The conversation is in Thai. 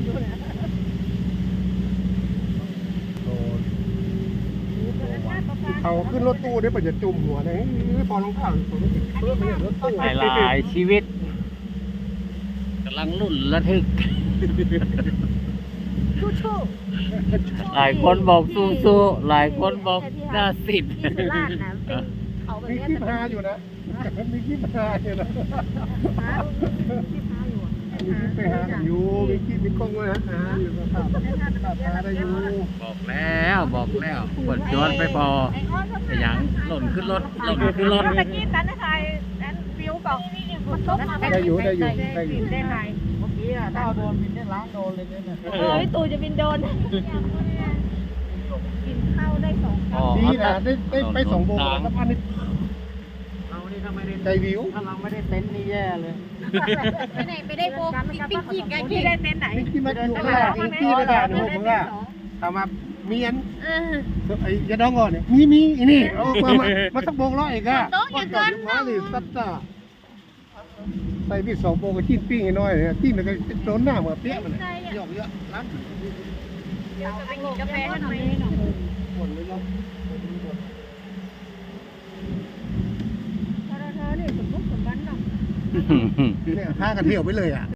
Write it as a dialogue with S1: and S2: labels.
S1: เขาขึ้นรถตู้ได้ประโยชน์จุ่มหัวเลยพอลงข่าวผมไม่ติดเพื่อไม่เห็นรถตู้
S2: หลายชีวิตกำลังลุ่นระทึกหลายคนบอกสู้ๆหลายคนบอกน่าสิทธิ์
S3: ที่สุราษฎร์นะเป็นเขาแบบ
S1: มี
S3: นี้
S1: คลิปฮาอยู่นะมีคลิปฮาอยู่นะ
S3: ที่พาอยู่
S1: มีคลิปไปหากันอยู่มีคลิปมีกล้องไว้ฮาอยู่นะครับฮาได้อยู่
S2: บอกแล้วกดย้อนไปพอแต่ยังหล่นขึ้นรถ
S3: ตะกี้ตันนะใครตันวิวกับมันตกมา
S1: ได้อยู่
S3: ได้ไหม
S1: เมื่อกี้ถ้าเอาโดนบินได้ล้างโดนเลยเนี่ย
S3: พี่ตู่จะบินโดนกินข้าวได้2 ครั้ง
S1: ดีนะได้ไป2 โมงแล้วพันนี่
S2: เรานี่ถ้าไม่ได้
S1: ใจวิว
S2: ถ้าเราไม่ได้เต็นท์นี่แย่เลย
S3: ไปได้โบปิ๊กกี้กันที่ได้เต้นไหน
S1: ที่มาอยู่ข้างหลังที่ไม่ได้หนูมึงอะทำมาเมียนไอ้ยาดองก่อนเนี่ยมีนี่เอามาสักโบงร้อยอีกอะว่าจอดอยู่มาเลยสัตว์ใส่พี่2 โบงก็จิ้นปิ้งให้น้อยเนี่ยจิ้นแล้วก็โดนหน้าเหมือนเปี้ยมันหยอกเยอะร้าน
S3: เดี๋ยวจะไปกินกาแฟกันไหม
S1: หมดเลยเนาะ
S3: เธอนี่สมบุกสมบันเนาะ
S1: เนี่ยพากันเที่ยวไปเลยอ่ะ